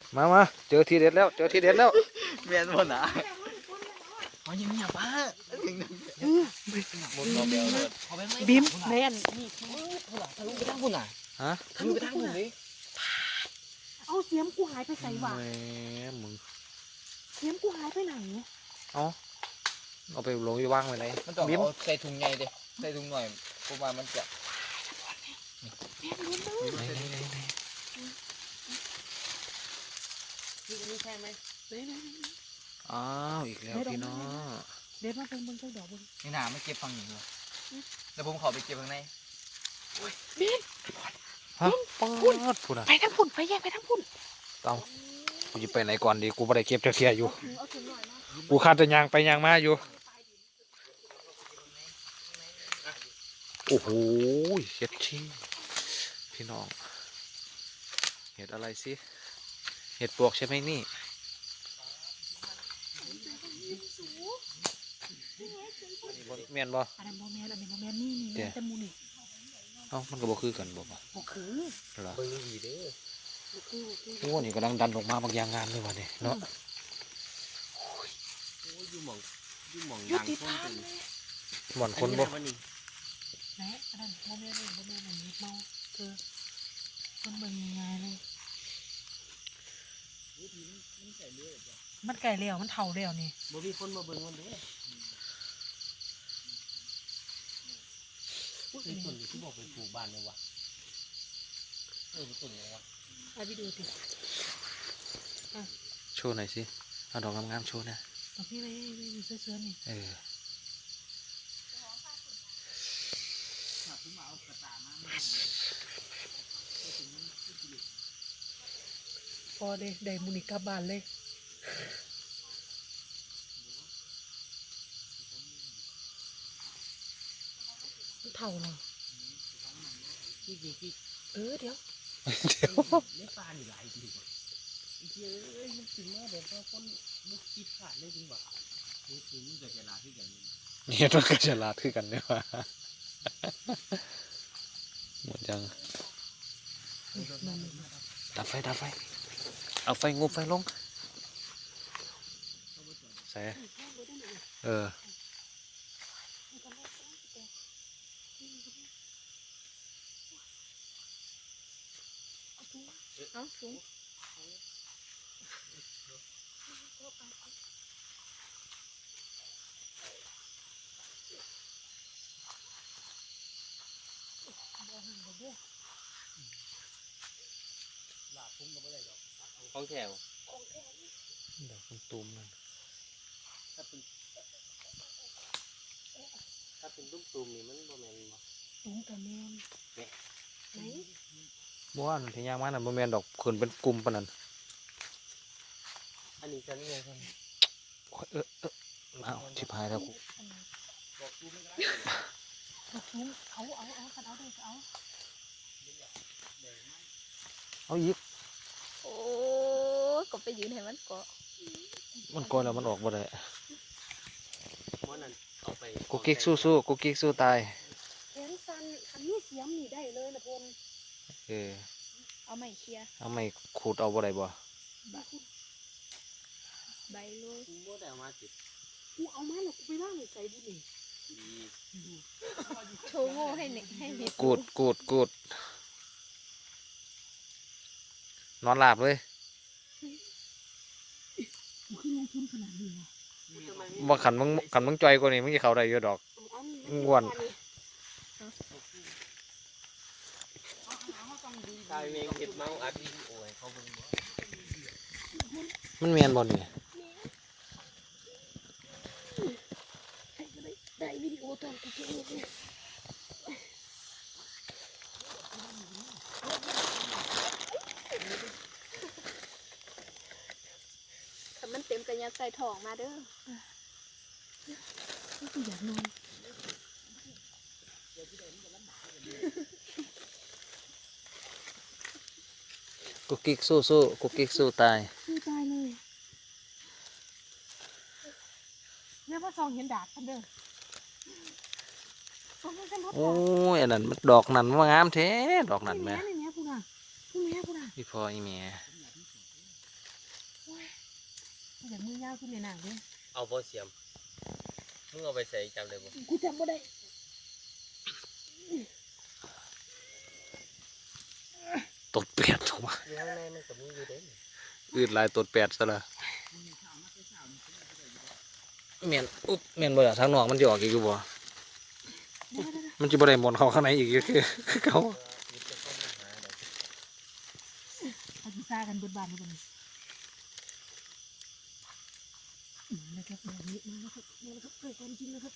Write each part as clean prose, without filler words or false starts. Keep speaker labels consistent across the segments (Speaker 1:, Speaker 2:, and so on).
Speaker 1: มาเจอทีเด็ดแล้ว
Speaker 2: เมียนบนอ่ะเอาอย่างนี้ป้า
Speaker 3: บิมแมน
Speaker 2: ทะลุไปทางพุ่นอ่ะ
Speaker 1: ฮะ
Speaker 2: ทะลุไปทางพุ่นเลย
Speaker 3: เอาเสียมกูหายไปใส่หว่า
Speaker 1: แหมมึง
Speaker 3: เสียมกูหายไปไหน
Speaker 1: เอาไปลงไปวางไว้ไหน
Speaker 2: มันต้อง
Speaker 1: บิ้ม
Speaker 2: เอาใส่ถุงใหญ่ดิใส่ถุงหน่อยเพราะว่ามันจะ
Speaker 3: นี่ใช่ไหมไหน
Speaker 1: อ้าวอีกแล้วพี่น้อง
Speaker 3: เด็ดมาเบิ่งเจ้าดอกเบิ่ง
Speaker 2: นี่หนาไม่เก็บฟังอยู่เลยแล้วผมขอไปเก็บข้างใน
Speaker 1: ฮะพูดอ่ะ
Speaker 3: ไปทั้งพุ่นไปแยกไปทั้งพุ่น
Speaker 1: เอากูจะไปไหนก่อนดีกูไม่ได้เก็บเทียอยู่
Speaker 3: เอาถุงหน่อยมา
Speaker 1: กูคาดจะยางไปยางมาอยู่โอ้โหเห็ดชี้พี่น้องเห็ดอะไรสิเห็ดปลวกใช่ไหมนี่เมียนบ่
Speaker 3: อันนั้นโมแมนอันนี้โมแมนนี่แต่มูนี่
Speaker 1: เอ้ามันก็บ่คือกันบ่ปะ
Speaker 3: บ่คือ
Speaker 1: เหรอ
Speaker 2: เบิ่งดีเด้อ
Speaker 3: บ่คือ
Speaker 1: โอ้นี่กำลังดันออกมาบางอย่างงามเลยวะเนี่ยเนาะ
Speaker 2: อยู่หม่อง
Speaker 3: ยุติธรรมเลย
Speaker 1: หมอนคนบ่
Speaker 3: ไหนอันนั้นโมแมนนี่โมแมนอันนี้เมาคือมันเบิ่งยังไงเลยมันไก่เลี้ยวมันเท่าเลี้ยวนี่
Speaker 2: บ่มีคนมาเบิ่งมันเด้อไอ้ต้นที่บอกไปปลูกบ้านเลยวะต้นอะไรวะ
Speaker 3: เอาไปดูสิ
Speaker 1: โชว์หน่อยสิเอาดอกงามๆโชว์นะ
Speaker 3: เอาพี่ไปเสื้อนี่
Speaker 1: เออ
Speaker 3: พอได้มูนิกลับบ้านเลยมันเท่าเนาะเดี๋ยว
Speaker 2: ไม่ปลาหนีหลายจริงว่ะไอ้เจ้ยมันถึงมาแบบว่าคนมุกคิดขาดเลยจริงว่ะนี่คือมึงจะลาที่กัน
Speaker 1: เนี่ยต้องกระฉลาดคือกันเนี่ยว่ะหมดยังดับไฟเอาไฟงูไฟลงใส่เออ
Speaker 3: เอาสูง
Speaker 2: ของแถว
Speaker 1: ดอกตุ้มๆนั่น
Speaker 2: ถ้าเป็นตุ้มๆนี่มันบ่แม่นบ่
Speaker 3: สูงแต่แมนไหน
Speaker 1: บ้านที่ย่างมาน่ะบ่แม่นดอกขึ้นเป็นกลุ่มปานนั้น
Speaker 2: อันนี้จะนี่ไงครับ
Speaker 1: โอ้ยอ้าวชิบหายแล้วกู
Speaker 2: บอกกูไม่ได้
Speaker 3: สูงเอาขันเอาด้วยเอา
Speaker 1: เอาอีก
Speaker 4: โอ้ก็ไปยืนให้มันเกาะ
Speaker 1: มันก่อนแล้วมันออกบ่ได้
Speaker 2: วันนั้นเอาไป
Speaker 1: กูกิ๊กสู้กูกิ๊กสู้ตาย
Speaker 3: แขนสั้นอันนี้เสียมนี่ได้เลยนะพล
Speaker 1: เออ
Speaker 4: เอาไม้เคลียร์
Speaker 1: เอาไม่ขูดเอาบ่ได้บ่
Speaker 4: ใบเลย
Speaker 2: กูบ่ได้เอามาติด
Speaker 3: กูเอามาแล้วกูไปล่างใส่ดินี่
Speaker 4: โชว์โง่ให้เน็กให้เน็ก
Speaker 1: กูดนอนหลับเลย
Speaker 3: กูขึ้นลงทุนขนาดนี้วะ
Speaker 1: บ่ขันมึงจ่อยกว่านี้มึงจะเข้าได้อยู่ดอก ง่วน
Speaker 2: ตายเองเก็บเมาอัดวิดีโอให้เขาเบิ่งบ่
Speaker 1: มันเมียนบ่นี่
Speaker 3: ได้วิดีโอตอนกูเก่งเลย
Speaker 4: ถ้ามันเต็มกันยัดใส่ถ่องมาเด้อ
Speaker 3: กูอยากนอน
Speaker 1: กูกิ๊กสู้กูกิ๊กสู้ตาย
Speaker 3: สู้ตายเลยแม่พ่อซองเห็นดาบกันเด้อซองเห็นพ่อ
Speaker 1: โอ้ยอันนั้นมันดอกนั้นว่างามแท้ดอกนั้นแม่
Speaker 3: นี่แม่พูดอ่ะพูดแม่พูดอ่ะ
Speaker 1: พี่พ่ออีแม่
Speaker 3: อย่างมือยาวขึ้นในหนังเลย
Speaker 2: เอาบ่เสียมมึงเอาไปใส่จำเลยบ่
Speaker 3: กูจำไม่ได้
Speaker 1: ตดแปดถูกไหม
Speaker 2: อยู่ข้างในมันก็มีอยู่เด้
Speaker 1: อืดลายตดแปดซะละเมียนอุ๊บเมียนบ่ล่ะทางนอกมันจะออกอีกอยู่บ่มันจะบ่ได้หมดเข้าข้างในอีกอยู่คือเขา
Speaker 2: ยึดจะเข้ามาหาเด้
Speaker 3: เขาจะซ่ากันเบิดบานทุกคนนะครับแบบนี้มาแล้วครับมาแล้วครับเกิดความจริงนะครับ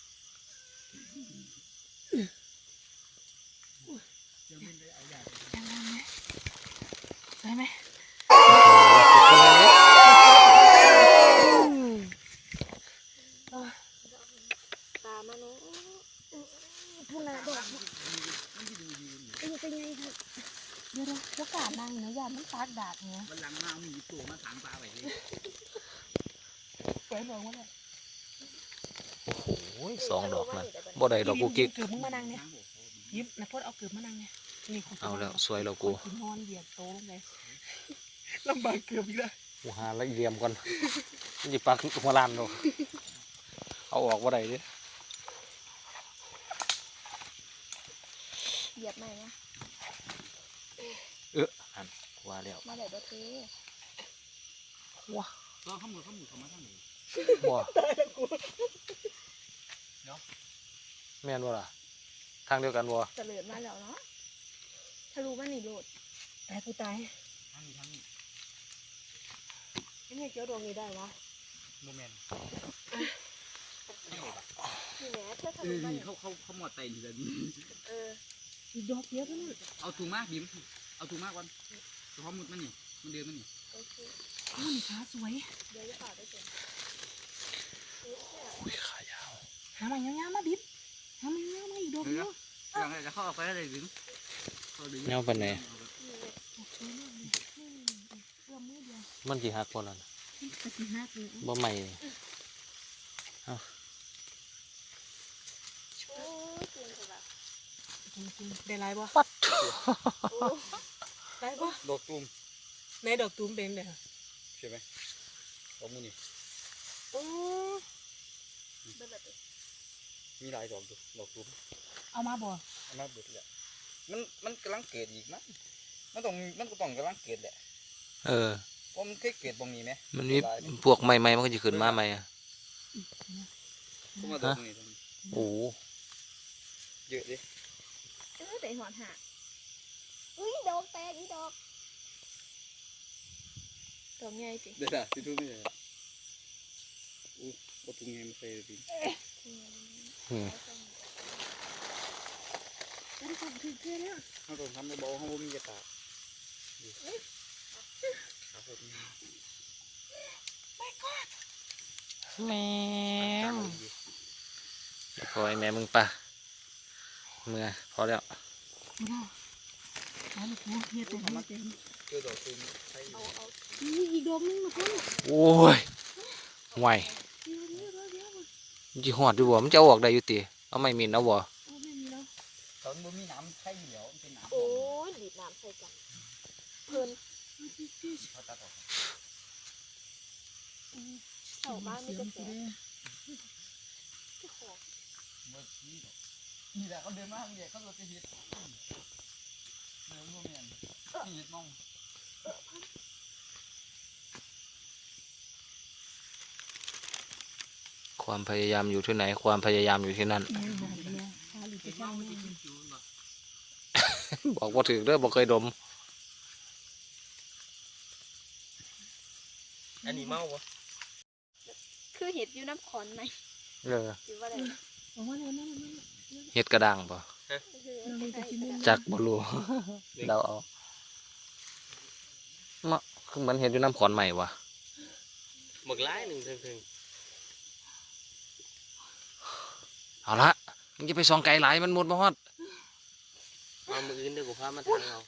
Speaker 3: ยังไงไหมได้ไหมตามาเนาะพูดนะดอกเป็นยังไงครับเดี๋ยวพวกกาดนางเนื้อยามันตากดาดเนี้ย
Speaker 2: วันหลังมาเอามีตัวมาถางปลาไว้เลย
Speaker 3: เปิดบอกว่าเนี่ย
Speaker 1: โอ้ยสองดอกนั่นบ่ได้ดอกกูกิ๊ก
Speaker 3: เกือบมึงมานั่งเนี่ยยิบนะพดเอาเกือบมานั่งเนี่ยนี่คุณ
Speaker 1: เอาแล้วสวยแล้วกู
Speaker 3: นอนเหยียดโตลงไปลำบากเกือบอีกแล้ว
Speaker 1: กูหาละเอียมก่อนมันจะปักหัวลานดอกเอาออกบ่ได้เด้
Speaker 4: เหยียบใหม่นะ
Speaker 1: อันว่าแล้ว
Speaker 4: มาได้บ่เท
Speaker 1: ว้า
Speaker 2: ตัวข้ามมือเข้ามาทางนี้
Speaker 1: บ่แม่นบ่ล่ะทางเดียวกันบ่
Speaker 4: เสลิดมาแล้วเนาะทะลุมานี่โลด
Speaker 3: ตายกูตาย
Speaker 2: ทางนี้
Speaker 3: ไอ้เนี่ยเกี่ยวดวงนี้ได้วะ
Speaker 2: โมเมนต์
Speaker 4: นี่แหละเธอทะลุมานี่
Speaker 2: เขาหมดใจนี่แบบนี้
Speaker 4: เออ
Speaker 3: อีกดอกเดียวเท่านั้น
Speaker 2: เอาถุงมากบีมเอาถุงมากก่อนเฉพาะมุดมันนี่มันเดินมันนี่
Speaker 4: โอเค
Speaker 3: นี่ขาสวย
Speaker 4: เดี๋ยวจะต่อได้เสร็จ
Speaker 1: อุ้ยขายาว
Speaker 3: หามันยาวๆมาบิ๊บหามันยาวๆมาอีกดอกเดียว
Speaker 2: ยังไงจะเข้าไปได้บีม
Speaker 1: แนวปานไหน
Speaker 4: นี่เลย
Speaker 3: โอเคมากเลยเอื้อมมือเดียว
Speaker 1: มันสิหักบ่นั่น
Speaker 3: กระติหักเลย
Speaker 1: บ่ใหม่
Speaker 4: โอ้ยเก่งจังแบบ
Speaker 3: จริงๆได้ไรบ่
Speaker 1: ปัด
Speaker 4: โอ้
Speaker 3: ได้บ่
Speaker 2: ดอกตูม
Speaker 3: ในดอกตูมเป็นเด้อ
Speaker 2: ใช่ไหมดอกมือนี่
Speaker 3: โอ้
Speaker 4: เบิดแบบนี้
Speaker 2: มีหลายดอกดอกตูม
Speaker 3: เอามาบ่
Speaker 2: อันนั้นเบิดเลยมันกำลังเกิดอีกนะมันก็ต้องกำลังเกิดแหละ
Speaker 1: เออ
Speaker 2: เพราะมันเคยเกิดตรงนี้ไหม
Speaker 1: มันมีพวกใหม่ๆมันก็จะขึ้นมาใหม่อะ
Speaker 2: พวกมาดอกนี้
Speaker 1: โอ้โห
Speaker 2: เยอะดิ
Speaker 4: แต่หอนหักอุ้ยดอกแตกอีดอกดอกใหญ่สิ
Speaker 2: เดี๋ยวที่ทุกนี่เลยอู้ก็ตุ้งเงี้ยมาใส่ดิ
Speaker 1: อืม
Speaker 3: ได้ของถึงเกลือแล้ว
Speaker 2: เขาต้องทำในบ่อเขาบ่มีกระตาก
Speaker 1: แม่พอไอ้แม่มึงปะเมื่อพอแล้ว
Speaker 3: ไม่ได้เอาลูกหัวเฮียเต็มเฮียเต็ม
Speaker 2: เจอดอกตูมใช่
Speaker 4: เอา
Speaker 3: นี่อีกดอกนึงนะพ่อ
Speaker 1: โอ้ยห่วย
Speaker 3: เดี๋ยว
Speaker 1: มันจะหอดอยู่บ่มันจะเอาออกได้อยู่ติเอาไม่มินเอาบ่
Speaker 3: เอาไม่มีแล้ว
Speaker 2: ตอนบ่มีน้ำใช่เหลียวมันเป็นน้ำ
Speaker 4: โอ้ยดีดน้ำใส่กันเพิ่น
Speaker 2: เขาตัดออก
Speaker 4: เสาบ้านไม่กระแสเจ้าของ
Speaker 2: เมื่อกี้นี่แหละเขาเดินมาทางเดียเขาเราจะเห็ดเดินร่วมเมียนนี่เห็ดมอง
Speaker 1: ความพยายามอยู่ที่ไหน ความพยายามอยู่ที่นั่น
Speaker 3: เนี่ยพาหรือจะเจ้าแม่
Speaker 1: บอกว่าถือเด้อบอกเคยดม
Speaker 2: อันนี้เมาวะ
Speaker 4: คือเห็ดอยู่น้ำขอนไหม
Speaker 1: เออ
Speaker 4: หรือว่าอะไร
Speaker 3: บอกว่าเนี่ย
Speaker 1: เฮ็ดกระด้างป่ะ
Speaker 4: คือ
Speaker 3: เราเลยจะกินมุม
Speaker 1: จักบ่รู้ เดาเอาเนาะคือมันเฮ็ดอยู่น้ำขอนใหม่วะ
Speaker 2: หมึกร้ายหนึ่งถึง
Speaker 1: เอาละมึงจะไปส่องไกลหลายมันหมดบ่ฮอด
Speaker 2: มามืออื่นเดี๋ยวกูพามาทางเรา